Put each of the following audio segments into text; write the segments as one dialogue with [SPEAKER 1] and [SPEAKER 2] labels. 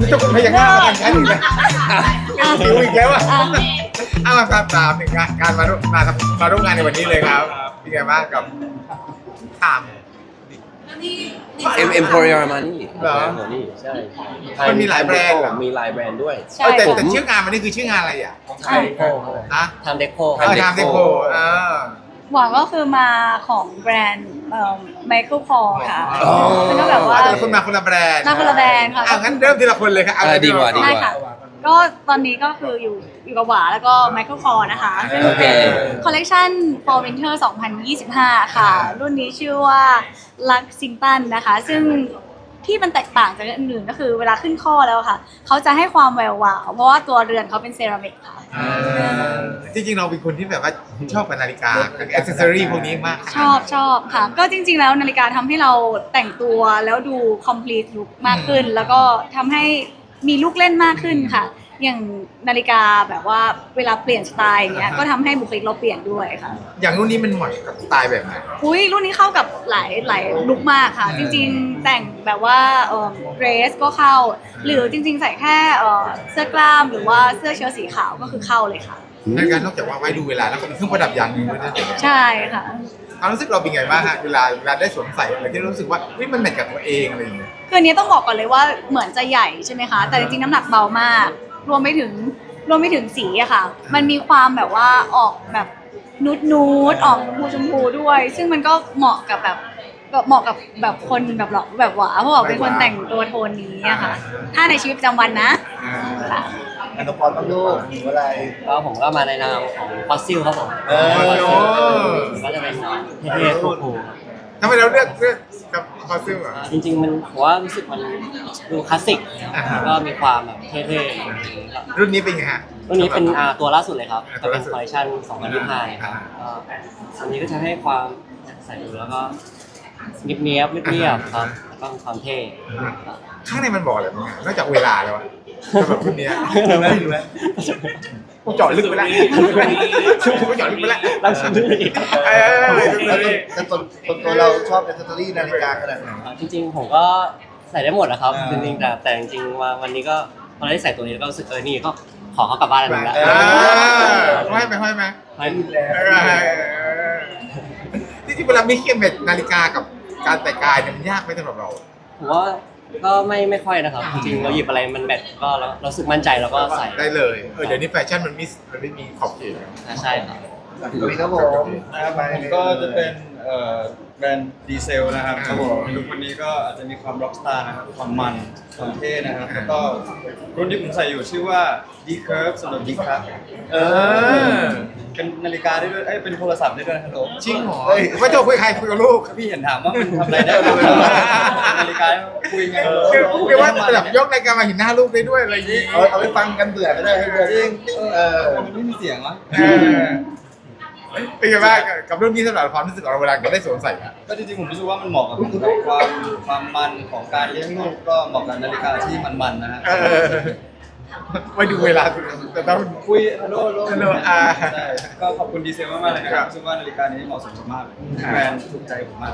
[SPEAKER 1] จะคุณพยักหน้ามาทางฉันอีกแล้วหิวอีกแล้วอ่ะเอามาถามถึงการมาร่วมงานในวันนี้เลยครับเป็นไงบ้างกับถาม
[SPEAKER 2] Emporio Armani
[SPEAKER 1] เหรอ
[SPEAKER 2] นี่ใช่
[SPEAKER 1] มันมีหลายแบรนด์เหรอ
[SPEAKER 2] มีหลายแบรนด์ด้วย
[SPEAKER 3] ใช่
[SPEAKER 1] แต่ชื่องานวันนี้คือชื่องานอะไรอ่ะ
[SPEAKER 2] ไทยโค
[SPEAKER 1] ฮะ
[SPEAKER 2] ทำเด็กโค
[SPEAKER 1] ทำเดโค
[SPEAKER 3] หวังก็คือมาของแบรนด์ไมเคิลคอร์ค่ะ
[SPEAKER 1] อ๋อ
[SPEAKER 3] มันก็แบบว่า
[SPEAKER 1] แต่ละคนมาคนละแบรนด์
[SPEAKER 3] มาคนละแบรนด์ค่ะ
[SPEAKER 1] งั้นเริ่มทีละคนเลยครับ
[SPEAKER 2] ดีกว่า
[SPEAKER 3] ใช่ค่ะ ก็ตอนนี้ก็คืออยู่กับหวาแล้วก็ไมเคิลคอร์นะคะซึ่งเป็นคอลเลกชัน Fall Winter 2025 ค่ะ รุ่นนี้ชื่อว่าลักซิงตันนะคะ ซึ่งที่มันแตกต่างจากอันอื่นก็คือเวลาขึ้นข้อแล้วค่ะ เขาจะให้ความแวววาวเพราะว่าตัวเรือนเขาเป็นเซรามิกค่ะ
[SPEAKER 1] จริงๆเราเป็นคนที่แบบว่าชอบกับนาฬิกากับแอ c เซสซอรี่พวกนี้มาก
[SPEAKER 3] ชอบค่ะ ก็จริงๆแล้วนาฬิกาทำให้เราแต่งตัวแล้วดู complete look มากขึ้น แล้วก็ทำให้มีลูกเล่นมากขึ้นค่ะ อย่างนาฬิกาแบบว่าเวลาเปลี่ยนสไตล์อย่างเงี้ยก็ทำให้บุคลิกเราเปลี่ยนด้วยค่ะ
[SPEAKER 1] อย่างรุ่นนี้มันเหมาะกับสไตล์แบบไหน
[SPEAKER 3] อุ้ยรุ่นนี้เข้ากับหลายลุคมากค่ะ จริงๆแต่งแบบว่าเดรสก็เข้า หรือจริงๆใส่แค่เสื้อกล้ามหรือว่าเสื้อเชิ้ตสีขาวก็คือเข้าเลยค่ะ
[SPEAKER 1] นาฬิกานอกจากว่าไว้ดูเวลาแล้วก็เป็นเครื่องประดับอย่างหนึ่งด้วยนะ
[SPEAKER 3] ใช่ค่ะ
[SPEAKER 1] ความรู้สึกเราเป็นไงบ้างฮะเวลาได้สวมใส่อะไรที่รู้สึกว่าเฮ้ยมันแมทกับตัวเองอะไรอย่างเงี้ย
[SPEAKER 3] คืออันนี้ต้องบอกก่อนเลยว่าเหมือนจะใหญ่ใช่ไหมคะ แต่จริงๆน้ำหนักเบามาก รวมไปถึงสีอะค่ะ มันมีความแบบว่าออกแบบนูดออกชมพูด้วย ซึ่งมันก็เหมาะกับแบบคนแบบหล่อแบบหวาเพราะว่าเป็นคนแต่งตัวโทนนี้อะค่ะ ถ้าในชีวิตประจำวันนะค่ะ
[SPEAKER 4] อันตพรต้องลูกหรืออะไร
[SPEAKER 2] ก็ผมก็มาในนามของฟอสซิลครับผม ก็จะเป็นเท่ๆคูล
[SPEAKER 1] ทำไมเราเลือกกับคอสตูมอ่ะ
[SPEAKER 2] ๆจริงๆมันผมว่ารู้สึกมันดูคลาสสิก
[SPEAKER 1] อ่าฮะ
[SPEAKER 2] แล้วก็มีความแบบเท่ๆ
[SPEAKER 1] รุ่นนี้เป็นไงฮะ
[SPEAKER 2] รุ่นนี้เป็นตัวล่าสุดเลยครับ
[SPEAKER 1] ตั
[SPEAKER 2] จะ
[SPEAKER 1] ว
[SPEAKER 2] เป็
[SPEAKER 1] ล่าน สุด
[SPEAKER 2] คอลเลคชัน2025ครับก็อันนี้ก็จะให้ความใส่ดูแล้วก็เนียบๆเรียบๆครับแล้วก็มีความเท่
[SPEAKER 1] ข้างในมันบอกอะไรบ้างอะนอกจากเวลาแล้วอะสำหรับรุ่นเนี้ยกูเจาะลึกไปแล้วกูเจาะลึกไปแล้ว
[SPEAKER 2] ลักชัวรี่
[SPEAKER 4] แต่ตัวเราชอบแอคเซสซอรี่นาฬิกาขนาดไหน
[SPEAKER 2] จริงๆผมก็ใส่ได้หมดนะครับ
[SPEAKER 4] อ่า
[SPEAKER 2] จริงๆแต่จริงๆวันนี้ก็พอได้ใส่ตัวนี้แล้วก็รู้สึกนี่ก็ขอเขากลับบ้านแล้วนะ
[SPEAKER 1] ห้อยไหม
[SPEAKER 2] ไม่
[SPEAKER 1] ที่เวลามีเคียมเม็ดนาฬิกากับการแต่งกายเนี่ยมันยากไหมสำหรับเรา
[SPEAKER 2] ผมว่าก็ไม่ค่อยนะครับ จริงๆเราหยิบอะไรมันแมทก็เรารู้สึกมั่นใจแล้วก็ใส่
[SPEAKER 1] ได้เลยเดี๋ยวนี้แฟชั่นมันไม่มีขอบเขต
[SPEAKER 2] ใช่ครับ
[SPEAKER 4] นี่ครับผมไป
[SPEAKER 5] ก็จะเป็นแบรนด์ดีเซลนะครับครับผมลุควันนี้ก็อาจจะมีความร็อกสตาร์นะครับความมันความเท่นะครับแล้วก็รุ่นที่ผมใส่อยู่ชื่อว่า D Curve สำหรับ D ครับเป็นนาฬิกาได้ด้วยเป็นโทรศัพท์ได้ด้วยนะครับผม
[SPEAKER 1] จริงเหรอไม่ต้องคุยใครคุยกับลูก
[SPEAKER 5] พี่เห็นถามว่ามันทำอะไรได้บ้างนาฬิกาคุยไง
[SPEAKER 1] คือว่าแบบยกรายการมาเห็นหน้าลูกได้ด้วยอะไรอย่างนี้
[SPEAKER 4] เอาไปฟังกันเบื่อก็ได้ให้เบื่อ
[SPEAKER 5] จริง
[SPEAKER 4] มันไม่มีเสียงวะ
[SPEAKER 1] เป็นไงบ้างกับเรื่องนี้สำหรับความรู้สึกของเราเวลาเราได้สวมใส่อะ
[SPEAKER 5] ก็จริงๆผมรู้สึกว่ามันเหมาะกับความมันของการเลี้ยงลูกก็เหมาะกับนาฬิกาที่มันๆนะฮะ
[SPEAKER 1] ไม่ดูเวลาแต่ต้อง
[SPEAKER 5] คุยฮัลโหล
[SPEAKER 1] ฮัลโหล
[SPEAKER 5] ใช่ก็ขอบคุณดีเซลมากๆเลยนะครับรู้สึกว่านาฬิกานี้เหมาะสมมากเลยแบรนด์ถูกใจผมมาก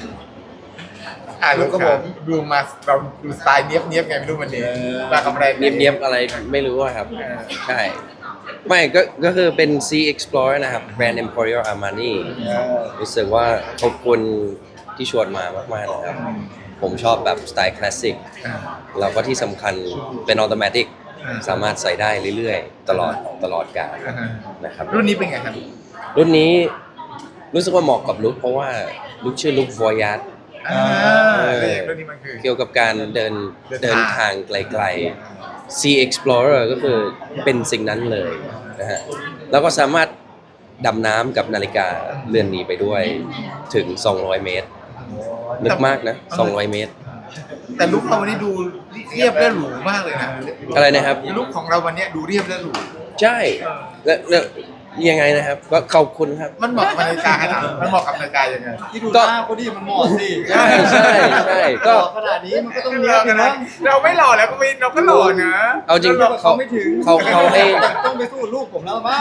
[SPEAKER 1] ลูกก็ผมดูมาเราดูสไตล์เนี้ยบไงไม่รู้วันนี้มากับแบรนด์
[SPEAKER 2] เนียบๆอะไรไม่รู้อะครับ ใช่ ไม่ก็คือเป็น Sea Explorer นะครับแบรนด์ Emporio Armani รู้สึกว่าขอบคุณที่ชวนมามากๆนะครับ ผมชอบแบบสไตล์คลาสสิกแล้วก็ที่สำคัญเป็นออโตเมติกสามารถใส่ได้เรื่อยๆ ตลอดกาลนะครับ
[SPEAKER 1] รุ่นนี้เป็นไงครับ
[SPEAKER 2] รุ่นนี้รู้สึกว่าเหมาะกับลุคเพราะว่าลุคชื่อลุค Voyage
[SPEAKER 1] รุ่นนี้มันคือ
[SPEAKER 2] เกี่ยวกับการเดินทางไกลๆ Sea Explorer ก็คือเป็นสิ่งนั้นเลยนะฮะแล้วก็สามารถดำน้ำกับนาฬิกาเรือนนี้ไปด้วยถึง 200 เมตร นึกมากนะ 200 เมตร
[SPEAKER 1] แต่ลุคเราวันนี้ดูเรียบและหรูมากเลยนะ
[SPEAKER 2] อะไรนะครับ
[SPEAKER 1] ลุคของเราวันนี้ดูเรียบและหรู
[SPEAKER 2] ใช่ แล้วยังไงนะครับ ก็ขอบคุณครับ
[SPEAKER 1] มันเหมาะกับนาฬิกาขนาดมันเหมาะกับนาฬิกายังไง
[SPEAKER 5] ที่ดูหน้าเขาดิมันเหมาะสิ
[SPEAKER 2] ใช่ก็
[SPEAKER 5] ขนาดนี้มันก็ต้องเนี้ยบนะ
[SPEAKER 1] เราไม่หล่อแล้วก็ไม่เราก็หล่อนะ
[SPEAKER 2] เอาจริง
[SPEAKER 5] เขาไม่ถึง
[SPEAKER 2] เขาให้
[SPEAKER 5] ต้องไปสู้ลูกผมแล้วบ้าง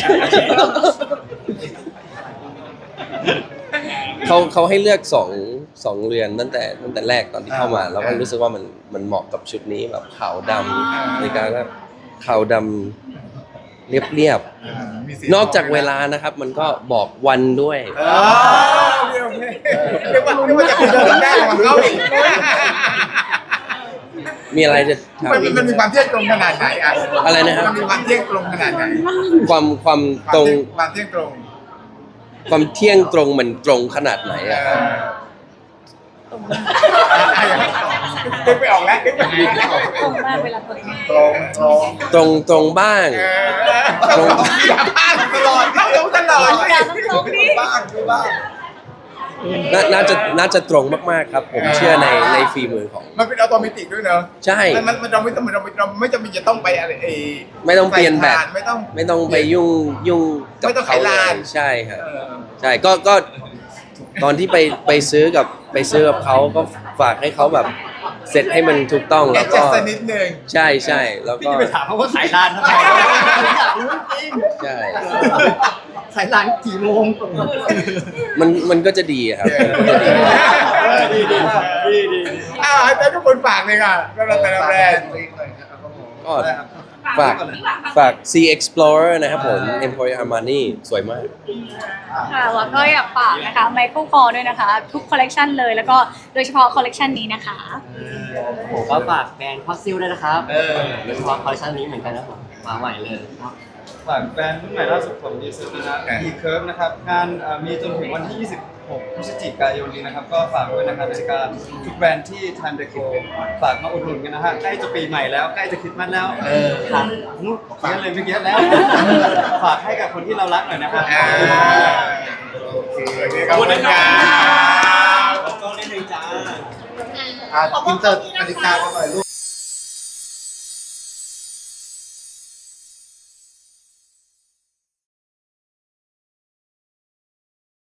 [SPEAKER 2] เขาให้เลือก 2 เรือนตั้งแต่แรกตอนที่เข้ามาแล้วก็รู้สึกว่ามันเหมาะกับชุดนี้แบบขาวดำนาฬิกาก็ขาวดำเรียบ
[SPEAKER 1] มีสี
[SPEAKER 2] ๆนอกจากเวลานะครับ มันก็บอกวันด้วย
[SPEAKER 1] อ๋อโอเคเรียกว่าจะเป็นเรื่องแรกของเขาอีก
[SPEAKER 2] มีอะไรจะถาม
[SPEAKER 1] มันมีความเที่ยงตรงขนาดไหนอ่ะ
[SPEAKER 2] อะไรนะครับ
[SPEAKER 1] มันมีความเที่ยงตรงขนาดไหน
[SPEAKER 2] ความตรง
[SPEAKER 1] ความเที่ยงตรง
[SPEAKER 2] ความเที่ยงตรงมันตรงขนาดไหนอะครับ
[SPEAKER 1] นึกไปออกแล้วนึกไปออก
[SPEAKER 3] ตรงมากเวลาเปิด
[SPEAKER 2] ตรงบ้าง
[SPEAKER 1] ตรงอย่าพลาดตลอดเข้าตรงตลอด
[SPEAKER 3] อย่าตรงดิ
[SPEAKER 4] บ้างด้วยบ้าง
[SPEAKER 2] น่าจะตรงมากๆครับ ผมเชื่อในฝีมือของ
[SPEAKER 1] มันเป็นอัตโนมัติด้วยเนอะ
[SPEAKER 2] ใช่
[SPEAKER 1] มันเราไม่ต้องเราไม่จำเป็นจะต้องไปอะไร
[SPEAKER 2] ไม่ต้องเปลี่ยนแบบ
[SPEAKER 1] ไม่ต้อง
[SPEAKER 2] ไม่ต้องไปยุ่งกับ
[SPEAKER 1] ไม่ต้อง
[SPEAKER 2] เขา
[SPEAKER 1] ไข
[SPEAKER 2] เล
[SPEAKER 1] ลาน
[SPEAKER 2] ยใช่ครับใช่ก็ตอนที่ไปซื้อกับเขาก็ฝากให้เขาแบบเสร็จให้มันถูกต้อง
[SPEAKER 1] แอ
[SPEAKER 2] แล้ว
[SPEAKER 1] ดจั
[SPEAKER 2] ก็
[SPEAKER 1] สต์นิดนึง
[SPEAKER 2] ใช่แล้วก็
[SPEAKER 5] ไปถามเขาว่าขายร้านทำไม
[SPEAKER 4] อยากรู้จริง
[SPEAKER 2] ใช่
[SPEAKER 4] ขายร้านกี่โมง
[SPEAKER 2] มันก็จะดีอะครับมันก็จะดี
[SPEAKER 5] ดี
[SPEAKER 1] อ้าวแต่ทุกคนฝากเลยค่ะก็เราแต่ละแบรนด์
[SPEAKER 2] ก็ฝาก C Explorer นะครับผม Emporio Armani สวยมาก
[SPEAKER 3] ค่ะแล้วก็อยากฝากนะคะไมเคิลคอร์ด้วยนะคะ ทุกคอลเลกชันเลยแล้วก็โดยเฉพาะคอลเลกชันนี้นะคะ
[SPEAKER 6] ผมก็ฝากแบรนด์คอสซิลด้วยนะครับโดยเฉพาะคอลเลคชันนี้เหมือนกันนะผมมาใหม่เลยครับ
[SPEAKER 5] ฝากแบรนด์รุ่นใหม่ล่าสุดของดีเซลนะ D-Curve นะครับงานมีจนถึงวันที่ 26 พฤศจิกายนนี้นะครับ ก็ฝากด้วยนะครับนาฬิกาทุกแบรนด์ที่ Time Deco ฝากมาอุดหนุนกันนะฮะใกล้จะปีใหม่แล้วใกล้จะคริสต์มาสแล้วครับเขียนเลยเมื่อกี้แล้ว ฝากให้กับคนที่เรารักหน่อยนะครับ
[SPEAKER 1] โอเคขอบคุณครับ
[SPEAKER 5] ต้องนิดนึงจ้า
[SPEAKER 4] อินเตอร์นาฬิกากันหน่อยลูก